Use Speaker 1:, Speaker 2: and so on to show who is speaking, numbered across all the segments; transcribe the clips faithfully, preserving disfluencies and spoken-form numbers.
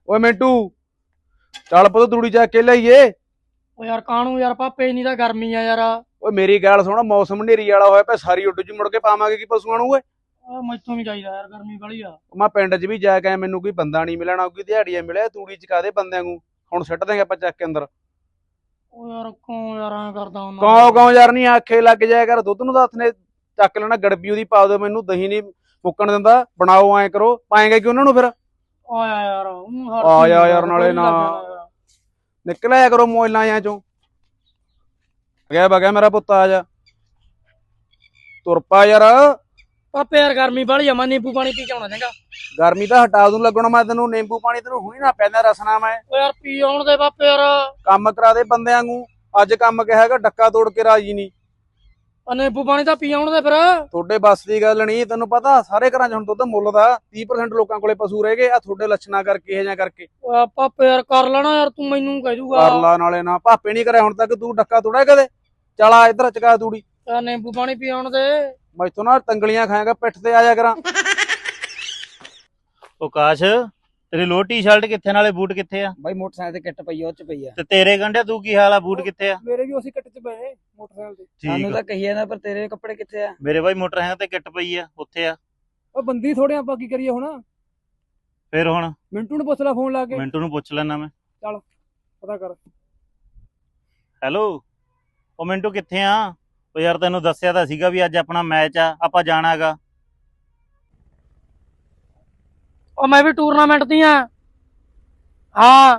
Speaker 1: ਓਏ ਮਿੰਟੂ ਚੱਲ ਪੁੱਤ ਤੂੜੀ ਚੱਕ ਕੇ ਲਿਆਈਏ।
Speaker 2: ਓ ਯਾਰ ਕਾਣੂ ਯਾਰ ਪਾਪੇ ਨਹੀਂ ਤਾਂ ਗਰਮੀ ਆ ਯਾਰ।
Speaker 1: ਓਏ ਮੇਰੀ ਗੱਲ ਸੁਣ, ਮੌਸਮ ਹਨੇਰੀ ਵਾਲਾ ਹੋਇਆ ਪਿਆ, ਸਾਰੀ ਉੱਡ ਜੀ ਮੁੜ ਕੇ ਪਾਵਾਂਗੇ ਕੀ ਪਸ਼ੂਆਂ ਨੂੰ ਓਏ।
Speaker 2: ਆ ਮੈਥੋਂ ਵੀ ਚਾਹੀਦਾ ਯਾਰ, ਗਰਮੀ ਬੜੀ ਆ।
Speaker 1: ਮੈਂ ਪਿੰਡ 'ਚ ਵੀ ਜਾ ਕੇ ਆਇਆ, ਮੈਨੂੰ ਕੋਈ ਬੰਦਾ ਨਹੀਂ ਮਿਲਣਾ, ਕੋਈ ਦਿਹਾੜੀਆ ਮਿਲਿਆ, ਤੂੜੀ ਚਕਾ ਦੇ ਬੰਦਿਆਂ ਨੂੰ। ਹੁਣ ਸਿੱਟ ਦੇਂਗੇ ਆਪਾਂ ਚੱਕ ਕੇ ਅੰਦਰ।
Speaker 2: ਓ ਯਾਰ ਕਿਉਂ ਯਾਰ ਐਂ ਕਰਦਾ ਹੁੰਦਾ?
Speaker 1: ਕੌਂ ਕੌਂ ਯਾਰ ਨਹੀਂ ਆਖੇ ਲੱਗ ਜਾਇਆ ਕਰ, ਦੁੱਧ ਨੂੰ ਤਾਂ ਹੱਥ ਨੇ ਚੱਕ ਲੈਣਾ, ਗੜਬੀ ਉਹਦੀ ਪਾ ਦਿਓ ਮੈਨੂੰ, ਦਹੀਂ ਨਹੀਂ ਮੁੱਕਣ ਦਿੰਦਾ, ਬਣਾਓ ਐਂ ਕਰੋ, ਪਾਏਗਾ ਕਿ ਉਹਨਾਂ ਨੂੰ ਫਿਰ।
Speaker 2: ਆਇਆ ਯਾਰ ਉਹਨੂੰ ਹਰ
Speaker 1: ਆ ਜਾ
Speaker 2: ਚੀਜ਼
Speaker 1: ਯਾਰ, ਨਾਲੇ
Speaker 2: ਲੱਗ
Speaker 1: ਨਾ
Speaker 2: ਜਾਣਾ ਯਾਰ।
Speaker 1: ਨਿਕਲਿਆ ਕਰੋ ਮੋਇਲਾਂ ਜਾਂ ਚੋਂ। ਗਿਆ ਬਗਿਆ ਮੇਰਾ ਪੁੱਤ, ਆ ਜਾ ਤੁਰ ਪਾ ਯਾਰ।
Speaker 2: ਪਾਪੇ ਯਾਰ ਗਰਮੀ ਬੜੀ ਆ, ਮੈਂ ਨਿੰਬੂ ਪਾਣੀ ਪੀ ਕੇ ਆਉਣਾ ਚੰਗਾ।
Speaker 1: ਗਰਮੀ ਤਾਂ ਹਟਾ ਦੂੰ ਲੱਗਣਾ ਮੈਂ ਤੈਨੂੰ, ਨਿੰਬੂ ਪਾਣੀ ਤੈਨੂੰ ਹੁਣੀ ਨਾ ਪੈਂਦਾ ਰਸਨਾ ਮੈਂ।
Speaker 2: ਓ ਯਾਰ ਪੀ ਆਉਣ ਦੇ ਪਾਪੇ ਯਾਰ।
Speaker 1: ਕੰਮ ਕਰਾ ਦੇ ਬੰਦਿਆਂ ਨੂੰ, ਅੱਜ ਕੰਮ ਕਿਹਾ ਹੈਗਾ ਡੱਕਾ ਤੋੜ ਕੇ ਰਾਜੀ ਨਹੀਂ।
Speaker 2: ਆ ਨਿੰਬੂ ਪਾਣੀ ਤਾਂ ਪੀ ਆਉਣ ਦੇ ਫਿਰ।
Speaker 1: ਤੁਹਾਡੇ ਬੱਸ ਦੀ ਗੱਲ ਨਹੀਂ, ਤੈਨੂੰ ਪਤਾ ਸਾਰੇ ਘਰਾਂ 'ਚ ਹੁਣ ਦੁੱਧ ਮੁੱਲ ਦਾ, ਤੀਹ ਪ੍ਰਸੈਂਟ ਲੋਕਾਂ ਕੋਲੇ ਪਸ਼ੂ ਰਹਿ ਗਏ ਆ, ਤੁਹਾਡੇ ਲੱਛਣਾ ਕਰਕੇ ਇਹ ਜਾਂ ਕਰਕੇ।
Speaker 2: ਓ ਪਾਪੇ ਯਾਰ ਕਰ ਲੈਣਾ ਯਾਰ, ਤੂੰ ਮੈਨੂੰ ਕਹਿ ਦੂਗਾ।
Speaker 1: ਕਰ ਲਾ ਨਾਲੇ ਨਾ, ਭਾਪੇ ਨਹੀਂ ਕਰਿਆ ਹੁਣ ਤੱਕ, ਤੂੰ ਡੱਕਾ ਤੋੜਿਆ ਕਦੇ? ਚੱਲ ਆ ਇੱਧਰ ਚਕਾ ਤੂੜੀ।
Speaker 2: ਯਾਰ ਨਿੰਬੂ ਪਾਣੀ ਪੀ ਆਉਣ ਦੇ।
Speaker 1: ਮੈਥੋਂ ਨਾ ਤੰਗਲੀਆਂ ਖਾਏਗਾ, ਪਿੱਠ ਤੇ ਆ ਜਾ ਕਰਾਂ।
Speaker 3: ਉਹ ਕਾਸ਼, ਤੇਰੀ ਲੋਅਰ ਟੀ-ਸ਼ਰਟ ਕਿੱਥੇ, ਨਾਲੇ ਬੂਟ ਕਿੱਥੇ ਆ?
Speaker 4: ਬਾਈ ਮੋਟਰਸਾਈਕਲ ਤੇ ਕਿੱਟ ਪਈ ਆ, ਉਹ ਚ ਪਈ ਆ।
Speaker 3: ਤੇ ਤੇਰੇ ਗੰਢਿਆ ਤੂੰ ਕੀ ਹਾਲ ਆ, ਬੂਟ ਕਿੱਥੇ ਆ?
Speaker 2: ਮੇਰੇ ਵੀ ਉਸੇ ਕੱਟ ਚ ਪਏ ਮੋਟਰਸਾਈਕਲ ਤੇ।
Speaker 4: ਸਾਨੂੰ
Speaker 3: ਠੀਕ
Speaker 4: ਤਾਂ ਕਹੀ ਜਾਂਦਾ, ਪਰ ਤੇਰੇ ਕੱਪੜੇ ਕਿੱਥੇ ਆ?
Speaker 3: ਮੇਰੇ ਬਾਈ ਮੋਟਰਸਾਈਕਲ ਤੇ ਕਿੱਟ ਪਈ ਆ, ਉੱਥੇ ਆ।
Speaker 2: ਓ ਬੰਦੀ ਥੋੜੇ ਆਪਾਂ ਕੀ ਕਰੀਏ ਹੁਣ?
Speaker 3: ਫਿਰ ਹੁਣ
Speaker 2: ਮਿੰਟੂ ਨੂੰ ਪੁੱਛ ਲੈ ਫੋਨ ਲਾ ਕੇ,
Speaker 3: ਮਿੰਟੂ ਨੂੰ ਪੁੱਛ ਲੈਣਾ ਮੈਂ।
Speaker 2: ਪਤਾ ਕਰ।
Speaker 3: ਹੈਲੋ, ਉਹ ਮਿੰਟੂ ਕਿੱਥੇ ਆ? ਉਹ ਯਾਰ ਤੈਨੂੰ ਦੱਸਿਆ ਤਾਂ ਸੀਗਾ ਵੀ ਅੱਜ ਆਪਣਾ ਮੈਚ ਆ, ਆਪਾਂ ਜਾਣਾਗਾ।
Speaker 2: ਉਹ ਮੈਂ ਵੀ ਟੂਰਨਾਮੈਂਟ ਦੀ ਆ। ਹਾਂ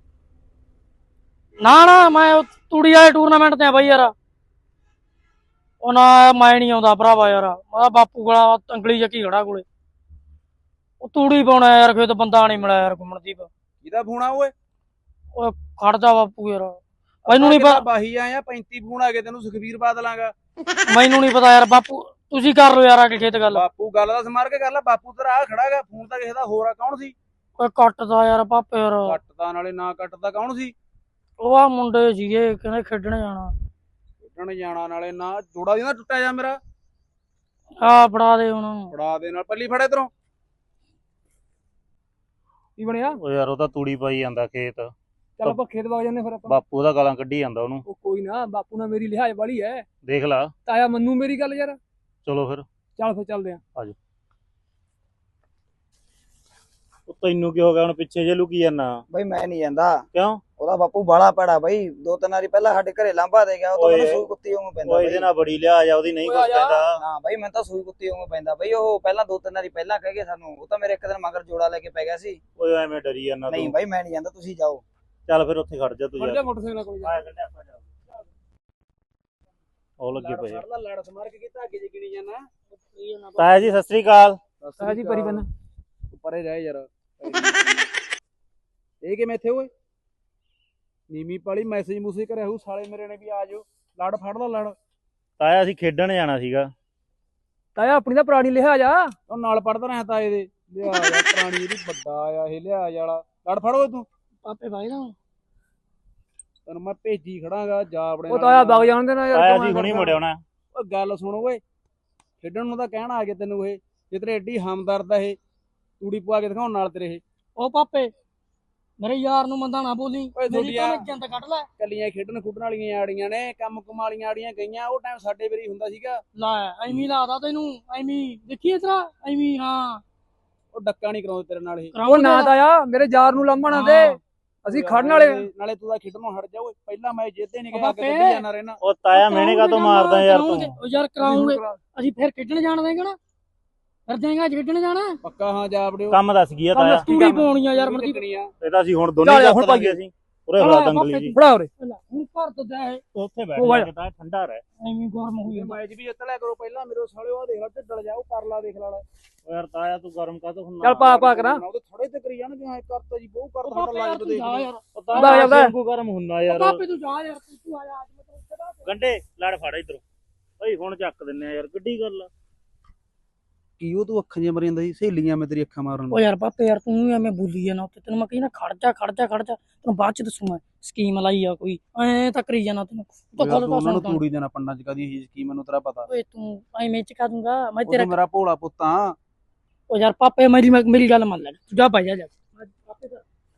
Speaker 2: ਨਾ ਨਾ, ਮੈਂ ਉਹ ਤੂੜੀ ਵਾਲੇ ਟੂਰਨਾਮੈਂਟ ਤੇ ਆ ਬਾਈ ਯਾਰ। ਉਹ ਨਾ ਮੈਂ ਨਹੀਂ ਆਉਂਦਾ ਭਰਾਵਾ ਯਾਰ, ਮੈਂ ਬਾਪੂ ਕੋਲ ਅੰਗਲੀ ਚੱਕੀ ਖੜਾ ਕੋਲੇ। ਉਹ ਤੂੜੀ ਪਾਉਣਾ ਯਾਰ, ਖੇਤ ਬੰਦਾ ਨਹੀਂ ਮਿਲਿਆ ਯਾਰ ਘੁੰਮਣਦੀਪ।
Speaker 1: ਕਿਹਦਾ ਫੋਨ ਆ ਓਏ?
Speaker 2: ਓਏ ਖੜ ਜਾ ਬਾਪੂ ਯਾਰ, ਮੈਨੂੰ ਨਹੀਂ ਪਤਾ।
Speaker 1: ਬਾਹੀ ਆਇਆ ਪੈਂਤੀ ਫੋਨ ਆ ਗਏ ਤੈਨੂੰ, ਸੁਖਬੀਰ ਬਾਦਲਾਂਗਾ।
Speaker 2: ਮੈਨੂੰ ਨਹੀਂ ਪਤਾ ਯਾਰ ਬਾਪੂ, ਤੁਸੀਂ ਕਰ ਲਓ ਯਾਰ ਆ ਕੇ ਖੇਤ ਗੱਲ।
Speaker 1: ਬਾਪੂ ਗੱਲ ਦਾ ਸਮਾਰ ਕੇ ਕਰ ਲੈ, ਬਾਪੂ ਤੇਰਾ ਆ ਖੜਾਗਾ, ਫੋਨ ਤਾਂ ਕਿਸੇ ਦਾ ਹੋਰ ਆ, ਕੌਣ ਸੀ?
Speaker 2: ਓਏ ਕੱਟਦਾ ਯਾਰ ਪਾਪੇ ਯਾਰ।
Speaker 1: ਕੱਟਦਾ ਨਾਲੇ ਨਾ ਕੱਟਦਾ, ਕੌਣ ਸੀ?
Speaker 2: ਉਹ ਆ ਮੁੰਡੇ ਸੀਗੇ, ਕਹਿੰਦੇ ਖੇਡਣ ਜਾਣਾ।
Speaker 1: ਖੇਡਣ ਜਾਣਾ ਨਾਲੇ ਨਾ, ਜੋੜਾ ਦੀ ਨਾ ਟੁੱਟਿਆ ਜਾ ਮੇਰਾ।
Speaker 2: ਆ ਫੜਾ ਦੇ ਹੁਣ।
Speaker 1: ਫੜਾ ਦੇ ਨਾਲ, ਪੱਲੀ ਫੜੇ ਇਧਰੋਂ।
Speaker 2: ਕੀ ਬਣਿਆ?
Speaker 3: ਉਹ ਯਾਰ ਉਹ ਤਾਂ ਤੂੜੀ ਪਾਈ ਜਾਂਦਾ ਖੇਤ।
Speaker 2: ਚੱਲ ਆਪਾਂ ਖੇਤ ਵਗ ਜਾਂਦੇ ਫਿਰ ਆਪਾਂ।
Speaker 3: ਬਾਪੂ ਦਾ ਗਾਲਾਂ ਕੱਢੀ ਜਾਂਦਾ ਉਹਨੂੰ।
Speaker 2: ਉਹ ਕੋਈ ਨਾ, ਬਾਪੂ ਨਾਲ ਮੇਰੀ ਲਿਹਾਜ਼ ਵਾਲੀ ਐ।
Speaker 3: ਦੇਖ ਲਾ।
Speaker 2: ਤਾਇਆ ਮੰਨੂ ਮੇਰੀ ਗੱਲ ਯਾਰ।
Speaker 3: ਚਲੋ ਫਿਰ।
Speaker 2: ਚੱਲ ਫਿਰ ਚੱਲਦੇ ਆ।
Speaker 3: ਆਜੋ। ਉਹ ਤੈਨੂੰ ਕੀ ਹੋ ਗਿਆ ਹੁਣ, ਪਿੱਛੇ ਜੇ ਲੁਕੀ ਜਾਂਦਾ?
Speaker 4: ਬਾਈ ਮੈਂ ਨਹੀਂ ਜਾਂਦਾ।
Speaker 3: ਕਿਉਂ?
Speaker 4: ਉਹਦਾ ਬਾਪੂ ਬਾਲਾ ਪੜਾ ਬਾਈ, ਦੋ ਤਿੰਨ ਵਾਰੀ ਪਹਿਲਾਂ ਸਾਡੇ ਘਰੇ ਲਾਂਭਾ ਦੇ ਗਿਆ, ਉਹ ਤਾਂ ਮੈਨੂੰ ਸੂਈ ਕੁੱਤੀ ਵਾਂਗੂ ਪੈਂਦਾ
Speaker 3: ਉਹ ਇਹਦੇ ਨਾਲ ਬੜੀ ਲਿਆ ਜਾ, ਉਹਦੀ ਨਹੀਂ ਕੁਛ ਕਹਿੰਦਾ।
Speaker 4: ਹਾਂ ਬਾਈ, ਮੈਂ ਤਾਂ ਸੂਈ ਕੁੱਤੀ ਵਾਂਗੂ ਪੈਂਦਾ ਬਾਈ। ਉਹ ਪਹਿਲਾਂ ਦੋ ਤਿੰਨ ਵਾਰੀ ਪਹਿਲਾਂ ਕਹਿ ਗਏ ਸਾਨੂੰ, ਉਹ ਤਾਂ ਮੇਰੇ ਇੱਕ ਦਿਨ ਮਗਰ ਜੋੜਾ ਲੈ ਕੇ ਪੈ ਗਿਆ ਸੀ।
Speaker 3: ਓਏ ਐਵੇਂ ਡਰੀ ਜਾਂਦਾ
Speaker 4: ਨਹੀਂ
Speaker 3: ਤੂੰ।
Speaker 4: ਬਾਈ ਮੈਂ ਨਹੀਂ ਜਾਂਦਾ, ਤੁਸੀਂ ਜਾਓ।
Speaker 3: ਚੱਲ ਫਿਰ ਉੱਥੇ ਖੜ ਜਾ ਤੂੰ ਯਾਰ।
Speaker 2: ਮੋਟਰਸਾਈਕਲ ਕੋਲ ਜਾ।
Speaker 3: ਉਹ ਲੱਗੇ ਪਏ ਆ।
Speaker 1: ਲੜ ਸਮਾਰ ਕੇ ਕੀਤਾ, ਅੱਗੇ ਜਿਗਣੀ ਜਾਣਾ।
Speaker 3: ਤਾਇਆ ਜੀ ਸਤਿ ਸ੍ਰੀ ਅਕਾਲ।
Speaker 2: ਤਾਇਆ ਜੀ ਪਰੀ ਬੰਨ।
Speaker 1: ਪਰੇ ਰਹਿ ਯਾਰ। ਇਹ ਕਿਵੇਂ ਇੱਥੇ ਓਏ? ਨੀਵੀਂ ਪਾਲੀ ਮੈਸੇਜ ਮੂਸੇਜ ਕਰਿਆ ਹੋਊ ਸਾਲੇ ਮੇਰੇ ਨੇ ਵੀ ਆ ਜਾਓ, ਲੜ ਫੜ ਲਾ ਲੜ।
Speaker 3: ਤਾਇਆ ਅਸੀਂ ਖੇਡਣ ਜਾਣਾ ਸੀਗਾ।
Speaker 2: ਤਾਇਆ ਆਪਣੀ ਤਾਂ ਪੁਰਾਣੀ ਲਿਹਾਜ਼ ਆ।
Speaker 1: ਉਹ ਨਾਲ ਪੜਦਾ ਰਿਹਾ ਤਾਏ ਦੇ, ਲਿਆ ਜਾ ਪ੍ਰਾਣੀ ਇਹਦੀ ਵੱਡਾ ਆ ਇਹ ਲਿਆ ਵਾਲਾ, ਲੜ ਫੜ ਓਏ ਤੂੰ।
Speaker 2: ਪਾਪੇ ਭਾਈ ਨਾ
Speaker 1: ਤੈਨੂੰ ਮੈਂ ਭੇਜੀ ਖੜਾਂਗਾ, ਜਾ ਆਪਣੇ
Speaker 2: ਉਹ ਤਾਇਆ ਵਗ ਜਾਣ ਦੇ ਨਾ ਯਾਰ।
Speaker 3: ਤਾਇਆ ਜੀ ਹੁਣੀ ਮੁੜ ਆਉਣਾ।
Speaker 1: ਓ ਗੱਲ ਸੁਣ ਓਏ, ਖੇਡਣ ਨੂੰ ਤਾਂ ਕਹਿਣਾ ਆ ਗਿਆ ਤੈਨੂੰ, ਇਹ ਜੇ ਤੇਰੇ ਐਡੀ ਹਮਦਰਦ ਆ ਇਹ, ਤੂੜੀ ਪਵਾ ਕੇ ਦਿਖਾਉਣ ਨਾਲ ਤੇਰੇ ਇਹ।
Speaker 2: ਉਹ ਪਾਪੇ ਮੇਰੇ ਯਾਰ ਨੂੰ ਮੰਦਾ ਨਾ ਬੋਲੀ,
Speaker 1: ਓਏ
Speaker 2: ਮੇਰੀ ਤਾਂ
Speaker 1: ਤੁਹਾਡੀਆਂ
Speaker 2: ਜੰਦ ਕੱਢ ਲੈ।
Speaker 1: ਕੱਲੀਆਂ ਖੇਡਣ ਖੁੱਡਣ ਵਾਲੀਆਂ ਆੜੀਆਂ ਨੇ, ਕੰਮ ਕੁਮ ਵਾਲੀਆਂ ਆੜੀਆਂ ਗਈਆਂ, ਉਹ ਟਾਈਮ ਸਾਡੇ ਵਾਰੀ ਹੁੰਦਾ ਸੀਗਾ।
Speaker 2: ਲੈ ਐਵੇਂ ਲਾਦਾ ਤੈਨੂੰ, ਐਵੇਂ ਦੇਖੀ ਇਸ ਤਰ੍ਹਾਂ ਐਵੇਂ। ਹਾਂ
Speaker 1: ਉਹ ਡੱਕਾ ਨਹੀਂ ਕਰਾਉਂਦੇ ਤੇਰੇ ਨਾਲ ਇਹ।
Speaker 2: ਉਹ ਨਾ ਤਾਇਆ ਮੇਰੇ ਯਾਰ ਨੂੰ ਲੰਮਣਾ ਦੇ, ਅਸੀਂ ਖੜਨ ਵਾਲੇ।
Speaker 1: ਨਾਲੇ ਤੂੰ ਤਾਂ ਖੇਡਣੋਂ ਹਟ ਜਾ ਓਏ, ਪਹਿਲਾਂ ਮੈਂ ਜਿੱਦੇ ਨਹੀਂ ਗਿਆ, ਅੱਗੇ ਕੱਢੀ ਜਾਣਾ ਰਹਿਣਾ।
Speaker 3: ਉਹ ਤਾਇਆ ਮਿਹਣੇ ਕਾ ਤੋਂ ਮਾਰਦਾ ਯਾਰ ਤੂੰ?
Speaker 2: ਉਹ ਯਾਰ ਕਰਾਉਂਗੇ ਅਸੀਂ, ਫਿਰ ਖੇਡਣ ਜਾਣ ਦੇਗਾ ਨਾ, ਫਿਰ ਦੇਗਾ ਅੱਜ ਖੇਡਣ ਜਾਣਾ
Speaker 1: ਪੱਕਾ। ਹਾਂ ਜਾ ਵੜਿਓ।
Speaker 3: ਕੰਮ ਦੱਸ ਕੀ ਆ ਤਾਇਆ?
Speaker 2: ਤੂੜੀ ਪਾਉਣੀ ਆ ਯਾਰ ਮਰਦੀ।
Speaker 3: ਇਹ ਤਾਂ ਅਸੀਂ ਹੁਣ ਦੋਨੇ ਚੱਕ ਲਾਂਗੇ। ਅਸੀਂ ਉਰੇ ਹੋਲਾ ਦੰਗਲੀ ਜੀ।
Speaker 2: ਫੜਾ ਉਰੇ ਹੁਣ ਘਰ ਤੋਂ ਜਾ
Speaker 3: ਉੱਥੇ ਬੈਠ ਜਾ ਕੇ ਤਾਂ ਠੰਡਾ ਰਹਿ।
Speaker 2: ਐਵੇਂ ਗਰਮ ਹੋਈ ਜਾਂਦਾ।
Speaker 1: ਮੈਚ ਵੀ ਜਿੱਤ ਲਿਆ ਕਰੋ ਪਹਿਲਾਂ, ਮੇਰੇ ਸਾਲਿਓ ਆ ਦੇਖ ਲੈ ਢਿੱਡਲ ਜਾ, ਉਹ ਕਰ ਲਾ ਦੇਖ ਲਾ।
Speaker 3: ਓ ਯਾਰ ਤਾਇਆ ਤੂੰ ਗਰਮ ਕਾਹਤੋਂ ਹੁੰਦਾ?
Speaker 2: ਚੱਲ ਪਾ ਪਾ ਕਰਾਂ।
Speaker 1: ਉਹਦੇ ਥੋੜੇ ਤੇ ਕਰੀ ਜਾਣਗੇ, ਐ ਕਰਤਾ ਜੀ ਬਹੁ ਕਰਤਾ
Speaker 2: ਪਾਪੇ
Speaker 1: ਸਾਡਾ
Speaker 2: ਯਾਰ
Speaker 1: ਲਾਈਵ
Speaker 2: ਤੂੰ
Speaker 1: ਦੇਖ
Speaker 2: ਜਾ ਯਾਰ।
Speaker 3: ਤਾਇਆ ਵਾਂਗੂ ਗਰਮ ਹੁੰਦਾ ਯਾਰ।
Speaker 2: ਪਾਪੇ ਤੂੰ ਜਾ ਯਾਰ, ਤੂੰ ਆ ਜਾ ਅੱਜ ਮੈਂ ਤੈਨੂੰ।
Speaker 3: ਗੰਡੇ ਲੜ ਫੜ ਇਧਰੋਂ। ਓਏ ਹੁਣ ਚੱਕ ਦਿੰਨੇ ਆ ਯਾਰ, ਕਿੱਡੀ ਗੱਲ ਆ।
Speaker 1: ਕੀ ਉਹ ਤੂੰ ਅੱਖਾਂ ਜਿਹਾ ਮਰੀ ਜਾਂਦਾ ਸੀ, ਸਹੇਲੀਆਂ ਮੈਂ ਤੇਰੀ ਅੱਖਾਂ ਮਾਰਨ।
Speaker 2: ਓ ਯਾਰ ਪਾਪੇ ਯਾਰ ਤੂੰ ਵੀ ਐਵੇਂ ਬੋਲੀ ਜਾਣਾ ਉੱਤੇ, ਤੈਨੂੰ ਮੈਂ ਕਹੀ ਨਾ ਖੜ ਜਾ ਖੜ ਜਾ ਖੜ ਜਾ, ਤੈਨੂੰ ਬਾਅਦ ਚ ਦੱਸੂ ਮੈਂ ਸਕੀਮ ਲਾਈ ਆ ਕੋਈ, ਐ ਤਾਂ ਕਰੀ ਜਾਣਾ ਤੈਨੂੰ।
Speaker 1: ਉਹਨਾਂ ਨੂੰ ਤੂੜੀ ਦੇਣਾ ਪੰਡਾਂ ਚ ਕਾਦੀ ਇਹ ਸਕੀਮ, ਮੈਨੂੰ ਤੇਰਾ ਪਤਾ।
Speaker 2: ਓਏ ਤੂੰ ਐਵੇਂ ਚਕਾ ਦੂੰਗਾ ਮੈਂ
Speaker 1: ਉਹ
Speaker 2: ਤੇਰਾ।
Speaker 1: ਮੇਰਾ ਭੋਲਾ ਪੁੱਤਾਂ।
Speaker 2: ਓ ਯਾਰ ਪਾਪੇ ਮੇਰੀ ਮੇਰੀ ਗੱਲ ਮੰਨ ਲੈ, ਤੂੰ ਜਾ ਭਾਈ ਜਾ ਜਾ।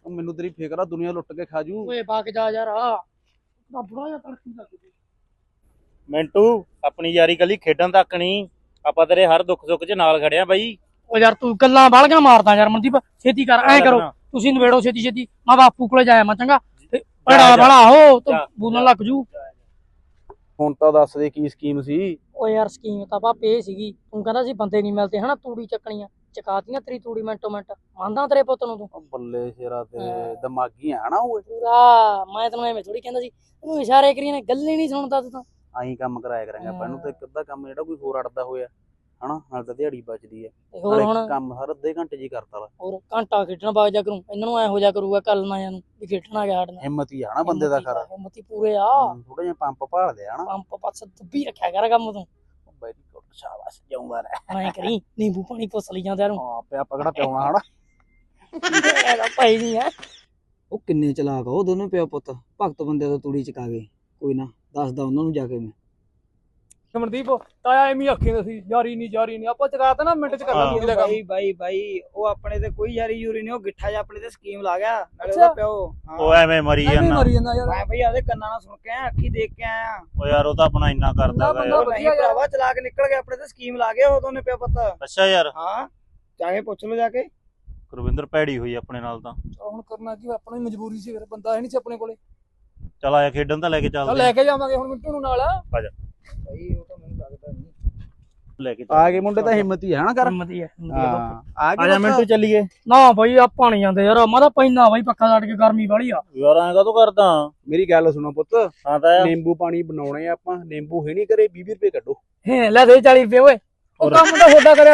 Speaker 1: ਉਹ ਮੈਨੂੰ ਤੇਰੀ ਫਿਕਰ ਆ, ਦੁਨੀਆ ਲੁੱਟ ਕੇ ਖਾ ਜੂ।
Speaker 2: ਓਏ ਬਾਕ ਜਾ ਯਾਰ ਆ ਦਾ ਬੁੜਾ ਜਿਹਾ ਤੜਕੀ ਲੱਗ ਗਈ।
Speaker 3: ਮਿੰਟੂ ਆਪਣੀ ਯਾਰੀ ਕੱਲੀ ਖੇਡਣ ਤੱਕ ਨਹੀਂ, ਆਪਾਂ ਤੇਰੇ ਹਰ ਦੁੱਖ ਸੁੱਖ 'ਚ ਨਾਲ ਖੜਿਆ ਬਾਈ।
Speaker 2: ਓ ਯਾਰ ਤੂੰ ਗੱਲਾਂ ਬਾਲਗਾ ਮਾਰਦਾ ਯਾਰ ਮਨਦੀਪ, ਛੇਤੀ ਕਰ ਐ ਕਰੋ ਤੁਸੀਂ ਨਵੇੜੋ ਛੇਤੀ ਛੇਤੀ, ਮੈਂ ਬਾਪੂ ਕੋਲੇ ਜਾਇਆ ਮੈਂ ਚੰਗਾ ਭੜਾ ਭੜਾ ਹੋ ਤੂੰ ਬੋਲਣ ਲੱਗ ਜੂ।
Speaker 1: ਹੁਣ ਤਾਂ ਦੱਸ ਦੇ ਕੀ ਸਕੀਮ ਸੀ।
Speaker 2: ਓ ਯਾਰ ਸਕੀਮ ਤਾਂ ਭਾਪੇ ਇਹ ਸੀਗੀ, ਤੂੰ ਕਹਿੰਦਾ ਸੀ ਬੰਦੇ ਨਹੀਂ ਮਿਲਦੇ ਹਨਾ, ਤੂੜੀ ਚੱਕਣੀਆਂ ਚਕਾਤੀਆਂ ਤੇਰੀ ਤੂੜੀ ਮਿੰਟੋ ਮਿੰਟ, ਮੰਨਦਾ ਤੇਰੇ ਪੁੱਤ ਨੂੰ ਤੂੰ?
Speaker 1: ਉਹ ਬੱਲੇ ਸ਼ੇਰਾ ਤੇਰੇ ਦਿਮਾਗੀ ਆ ਨਾ ਓਏ।
Speaker 2: ਪੂਰਾ ਮੈਂ ਤੈਨੂੰ ਐਵੇਂ ਥੋੜੀ ਕਹਿੰਦਾ ਸੀ, ਤੈਨੂੰ ਇਸ਼ਾਰੇ ਕਰੀ ਨੇ, ਗੱਲ ਹੀ ਨਹੀਂ ਸੁਣਦਾ ਤੂੰ ਤਾਂ।
Speaker 1: ਆਹੀਂ ਕੰਮ ਕਰਾਇਆ ਕਰਾਂਗੇ ਆਪਾਂ ਇਹਨੂੰ, ਤੇ ਇੱਕ ਅੱਧਾ ਕੰਮ ਜਿਹੜਾ ਕੋਈ ਹੋਰ ਅੜਦਾ ਹੋਇਆ ਹਨਾ, ਨਾਲ ਤਾਂ ਦਿਹਾੜੀ ਬਚਦੀ ਹੈ,
Speaker 2: ਤੇ ਹੋਰ ਹੁਣ
Speaker 1: ਕੰਮ ਹਰ ਅੱਧੇ ਘੰਟੇ ਜੀ ਕਰਤਾ ਵਾ।
Speaker 2: ਹੋਰ ਘੰਟਾ ਖੇਡਣ ਬਾਗ ਜਾ ਕਰੂੰ, ਇਹਨਾਂ ਨੂੰ ਐ ਹੋ ਜਾ ਕਰੂਗਾ ਕੱਲ ਨਾ ਨੂੰ ਵੀ ਖੇਡਣ ਆ ਗਿਆ ਸਾਡੇ ਨਾਲ।
Speaker 1: ਹਿੰਮਤ ਹੀ ਆ ਨਾ ਬੰਦੇ ਦਾ ਖਰਾ,
Speaker 2: ਹਿੰਮਤੀ ਪੂਰੇ ਆ,
Speaker 1: ਥੋੜਾ ਜਿਹਾ ਪੰਪ ਭਾਲ ਲਿਆ ਨਾ।
Speaker 2: ਪੰਪ ਪਾਸ ਦੱਬੀ ਰੱਖਿਆ ਕਰ ਕੰਮ ਤੂੰ,
Speaker 1: ਵੈਰੀ ਗੁੱਡ, ਸ਼ਾਬਾਸ਼, ਜਾਊਂਗਾ ਰਹਿ।
Speaker 2: ਐ ਕਰੀ ਨਿੰਬੂ ਪਾਣੀ ਪੁੱਛ ਲਈ ਜਾਂਦੇ ਨੂੰ
Speaker 1: ਹਾਂ ਪਿਆ ਪਕੜਾ ਪਿਆਉਣਾ ਹਨਾ।
Speaker 2: ਇਹਦਾ ਭਾਈ ਨਹੀਂ ਆ।
Speaker 4: ਉਹ ਕਿੰਨੇ ਚਲਾਕ ਆ ਉਹ ਦੋਨੋਂ ਪਿਓ ਪੁੱਤ, ਭਗਤ ਬੰਦੇ ਤੋਂ ਤੂੜੀ ਚਕਾ ਗਏ। ਕੋਈ ਨਾ ਦੱਸਦਾ ਉਹਨਾਂ ਨੂੰ ਜਾ ਕੇ ਮੈਂ।
Speaker 2: ਮਨਦੀਪ ਤਾਇਆ ਐਵੇਂ ਆਖੀ ਸੀ ਯਾਰੀ ਨਹੀਂ ਯਾਰੀ ਨਹੀਂ, ਆਪਾਂ ਚਕਾਤਾ ਨਾ ਮਿੰਟ ਚ ਕਰ ਲਾਂਗੇ ਦਾ ਕੰਮ।
Speaker 4: ਬਾਈ ਬਾਈ ਬਾਈ ਉਹ ਆਪਣੇ ਤੇ ਕੋਈ ਯਾਰੀ ਯੂਰੀ ਨਹੀਂ, ਉਹ ਗਿੱਠਾ ਜਿਹਾ ਆਪਣੇ ਤੇ ਸਕੀਮ ਲਾ ਗਿਆ ਨਾਲੇ ਉਹਦਾ ਪਿਓ।
Speaker 3: ਉਹ ਐਵੇਂ ਮਰੀ ਜਾਂਦਾ।
Speaker 2: ਮਰੀ ਜਾਂਦਾ ਯਾਰ,
Speaker 4: ਮੈਂ ਬਈ ਆਦੇ ਕੰਨਾਂ ਨਾਲ ਸੁਣ ਕੇ ਆਇਆ, ਅੱਖੀ ਦੇਖ ਕੇ ਆਇਆ।
Speaker 3: ਉਹ ਯਾਰ ਉਹ ਤਾਂ ਆਪਣਾ ਇੰਨਾ ਕਰਦਾ ਹੈਗਾ ਯਾਰ।
Speaker 4: ਨਹੀਂ ਭਰਾਵਾ ਚਲਾ ਕੇ ਨਿਕਲ ਗਿਆ, ਆਪਣੇ ਤੇ ਸਕੀਮ ਲਾ ਗਿਆ ਉਹ ਦੋਨੇ ਪਿਓ ਪੁੱਤ।
Speaker 3: ਅੱਛਾ ਯਾਰ,
Speaker 4: ਹਾਂ ਚਾਹੇ ਪੁੱਛ ਲਓ ਜਾ ਕੇ।
Speaker 3: ਗੁਰਵਿੰਦਰ ਭੈੜੀ ਹੋਈ ਆਪਣੇ ਨਾਲ ਤਾਂ।
Speaker 2: ਹੁਣ ਕਰਨਾ ਕੀ, ਆਪਣੀ ਮਜਬੂਰੀ ਸੀ, ਫਿਰ ਬੰਦਾ ਹੈ ਨਹੀਂ ਸੀ ਆਪਣੇ ਕੋਲੇ।
Speaker 3: ਚਲ ਆਇਆ ਖੇਡਣ ਤਾਂ ਲੈ ਕੇ ਚੱਲਦੇ
Speaker 2: ਲੈ ਕੇ ਜਾਵਾਂਗੇ ਹੁਣ ਮਿੰਟੂ ਨੂੰ ਨਾਲ।
Speaker 3: ਆ ਜਾ
Speaker 4: ਬਾਈ ਉਹ ਤਾਂ ਮੈਨੂੰ ਲੱਗਦਾ ਨਹੀਂ
Speaker 3: ਲੈ ਕੇ
Speaker 1: ਆ ਗਏ ਮੁੰਡੇ ਤਾਂ ਹਿੰਮਤ ਹੀ ਆ ਨਾ ਕਰ।
Speaker 2: ਹਿੰਮਤੀ ਹੈ
Speaker 1: ਹਾਂ ਆ
Speaker 3: ਆ ਜਾ
Speaker 1: ਗਏ
Speaker 3: ਮਿੰਟੂ ਚੱਲੀਏ।
Speaker 2: ਨਾ ਬਾਈ ਆਪਾਂ ਨਹੀਂ ਜਾਂਦੇ ਯਾਰ, ਮੈਂ ਤਾਂ ਪੈਣਾ ਬਾਈ ਪੱਖਾ ਛੱਡ ਕੇ, ਗਰਮੀ ਵਾਲੀ ਆ
Speaker 3: ਯਾਰ ਐਂ ਕਾਹਤੋਂ ਕਰਦਾ?
Speaker 1: ਮੇਰੀ ਗੱਲ ਸੁਣੋ ਪੁੱਤ,
Speaker 3: ਹਾਂ ਤਾਂ
Speaker 1: ਨਿੰਬੂ ਪਾਣੀ ਬਣਾਉਣੇ ਆ ਆਪਾਂ, ਨਿੰਬੂ ਹੈ ਨਹੀਂ ਘਰੇ, ਵੀਹ ਵੀਹ ਰੁਪਏ ਕੱਢੋ।
Speaker 2: ਹੈ ਲੈ ਦੇ ਚਾਲੀ ਰੁਪਏ ਓਏ, ਉਹ ਕੰਮ ਤਾਂ ਤੁਹਾਡਾ ਕਰਿਆ